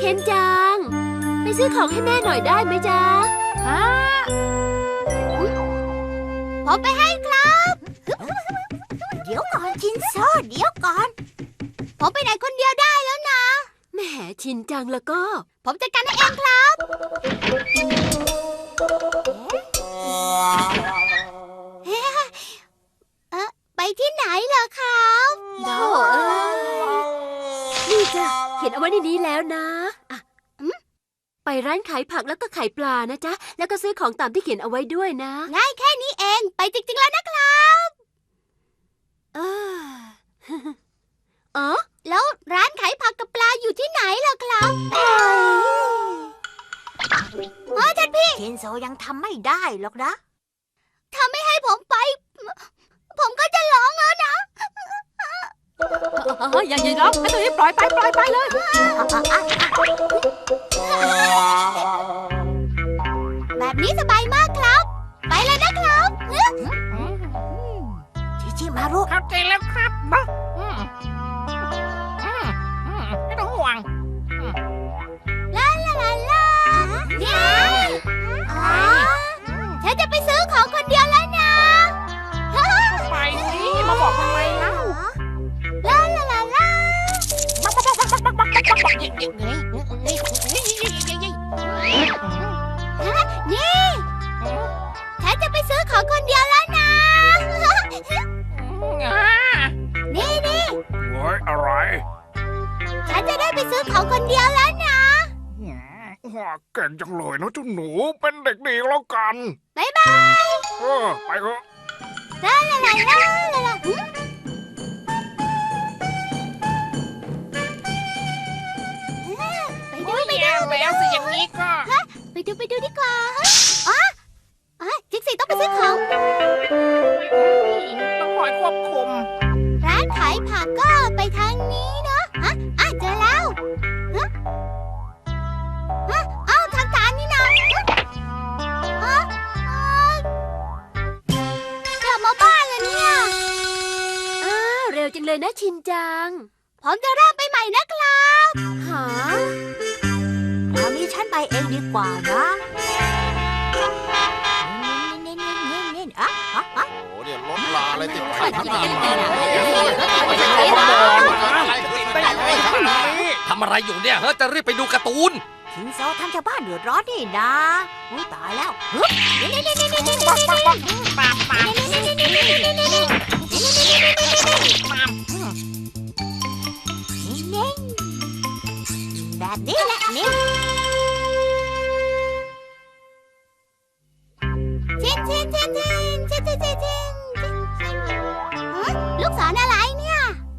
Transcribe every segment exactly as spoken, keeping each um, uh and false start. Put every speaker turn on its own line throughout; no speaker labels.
คนจังไปซื้อของให้แม่หน่อยได้ไหมจ๊ะฮะ
ผมไปให้ครับเดี๋ยวก่อนชินโซเดี๋ยวก่อนผมไปไหนคนเดียวได้แล้วนะ
แหมชินจังแล้วก็
ผมจัดการให้เองครับเอ๊ะไปที่ไหนเหรอครับ
โถ่เอ้ยนี่จ้ะเขียนเอาไว้ในนี้แล้วนะอ่ะไปร้านขายผักแล้วก็ขายปลานะจ๊ะแล้วก็ซื้อของตามที่เขียนเอาไว้ด้วยนะ
ง่ายแค่นี้เองไปจริงๆแล้วนะครับ
เอออ๋อ
แล้วร้านขายผักกับปลาอยู่ที่ไหนล่ะครับเออท่านพี่ชินโซยังทำไม่ได้หรอกนะถ้าไม่ให้ผมไปผมก็จะร้องแล้วนะ
อย่าอย่าร้องให้ตัวนี้ปล่อยไปปล่อยไปเลย
แบบนี้สบายมากครับไปเลยนะครับชิชิมารุ
เข้าใจแล้วครับบ๊ะไม่ต้องห่วง
ลาลาลาลาเนี่ยฉันจะไปซื้อของคนเดียวแล้วนะ
ไปสิมาบอกทำไมเล่า
ลาลาลาลานี่ฉันจะไปซื้อของคนเดียวแล้วนะนี่นี่
เฮ้ยอะไร
ฉันจะได้ไปซื้อของคนเดียวแล้วนะ
เก่งจังเลยนะเจ้าหนูเป็นเด็กดีแล้วกัน
บ๊ายบาย
เออไปเถอะ
ลาลาลาลาลาลา
ไปดูไปดูแล้วสิอย่างนี้ก็
ไปดูไปดูดีกว่าอ๋ออ๋อจิ๊กซี่ต้องไปซื้อของ
ต้องคอยควบคุม
ร้านขายผักก็ไปทางนี้เนาะฮะอ่ะเจอแล้วฮะฮะเอ้าทางการนี่นะฮะกลับมาบ้านแล้วเนี่ย
อ้าวเร็วจังเลยนะชินจัง
ผมจะเริ่มไปใหม่นะครับ
หา
คราวนี้ฉันไปเองดีกว่านะเน้นๆๆๆๆอ่ะอ่ะอ่ะ
โอ้เนี่ยรถลาอะไรติดไฟทั้งนั้น
ทำอะไรอยู่เนี่ยเฮ้ยจะรีบไปดูการ์ตูน
ชินโซทำชาวบ้านเดือดร้อนนี่นะอุ้ยตายแล้วเฮ้ยนี่นี่นี่นี่นี่นี่
ปักปักปักปักปัก
แบบนี้แหละนี่ชินชินชินชินชินชินชินชินชินลูกศรอะไรเนี่ย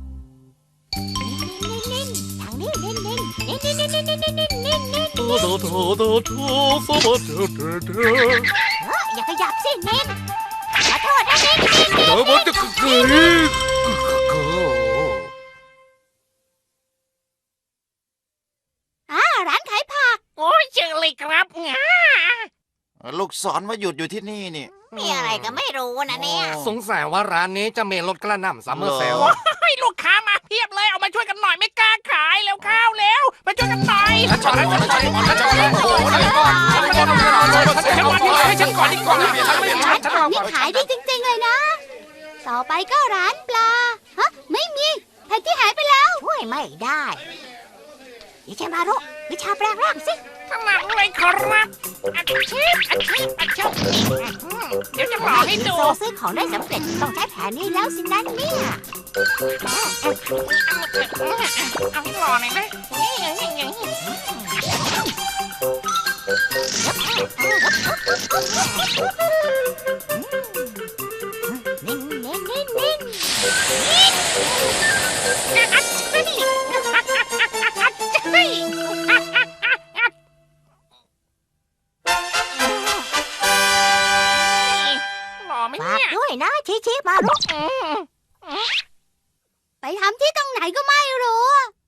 นิ่นๆทางนี้นิ่นๆนิ่นๆนิ่นๆนิ่นๆนิ่นๆนิ่นๆนิ่นๆนิ่นๆโถโถโถโถสวัสดีเด้ออย่าขยับสินิ่นขอโทษนะนิ่นนิ่นนิ่น
เดี๋ยวมันจะเกิด
ร้านขายผัก
โอ้ยเจอเลยครับ
ลูกศรมาหยุดอยู่ที่นี่นี่
มีอะไรก็ไม่รู้นะเนี่ย
สงสัยว่าร้านนี้จะมีรถกระหน่ำซัมเมอร์เซล
ให้ลูกค้ามาเพียบเลยเอามาช่วยกันหน่อยไม่กล้าขายแล้วข้าวแล้วมาช่วยกันหน่อย
ฉันก่อนฉันก่อนฉันก่อนฉันก่อนฉันก่อนฉันก่อนให้ฉันก่อนดีกว่า
นี่ขายดีจริงๆเลยนะต่อไปก็ร้านปลาฮะไม่มีแผนที่หายไปแล้วช่วยไม่ได้ดิฉันมารุวิชาแปลงร่างสิ
ถนัดเลยครับอาชีพอาชีพอาชีพเดี๋ยวจะบอกให้ดู
โซซื้อของได้สำเร็จต้องใช้แผนนี้แล้วสินั่นเนี่ย
เอาให้หล่อหน่อยนะ
นิ่งนิ่งนิ่งนิ่งฝากด้วยนะชิชิมารุไปทำที่ตรงไหนก็ไม่รู้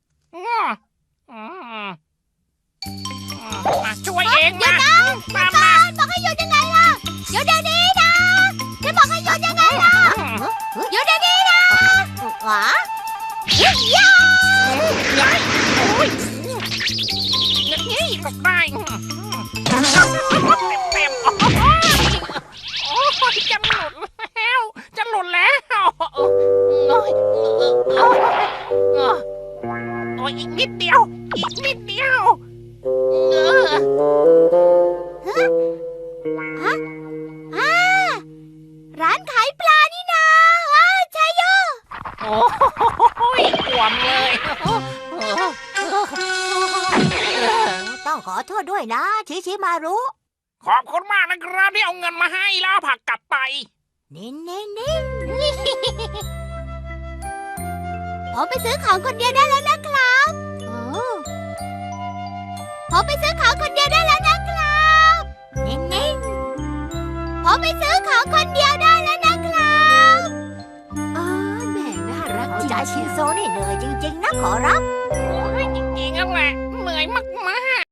ช่วยเอง
นะตามมาบอกให้หยุดยังไงล่ะหยุดเดี๋ยวนี้นะจะบอกให้หยุดยังไงล่ะหยุดเดี๋ยวนี้นะหวะย่า
ตกได้เต็มๆโอ้ยจะหลุดแล้วจะหลุดแล้วโอ้ยโอ้ยอีกนิดเดียวอีกนิดเดียวเออ
อ่าร้านขายปลานี่นาอ้าชายโย
โอ้ยขวมเลย
ต้องขอโทษด้วยนะ ชิชิมารุ
ขอบคุณมากนะครับที่เอาเงินมาให้แล้วเอาผักกลับไป
นินนินนินผมไปซื้อของคนเดียวได้แล้วนะครับผมไปซื้อของคนเดียวได้แล้วนะครับนินนินผมไปซื้อของคนเดียวได้แล้วนะครับ
อ๋อแหม่น่ารักจริง
ใจชินโซนี่เหนื่อยจริงๆนะขอรับ
โอ้ยจริงๆนั่นแหละเหนื่อยมาก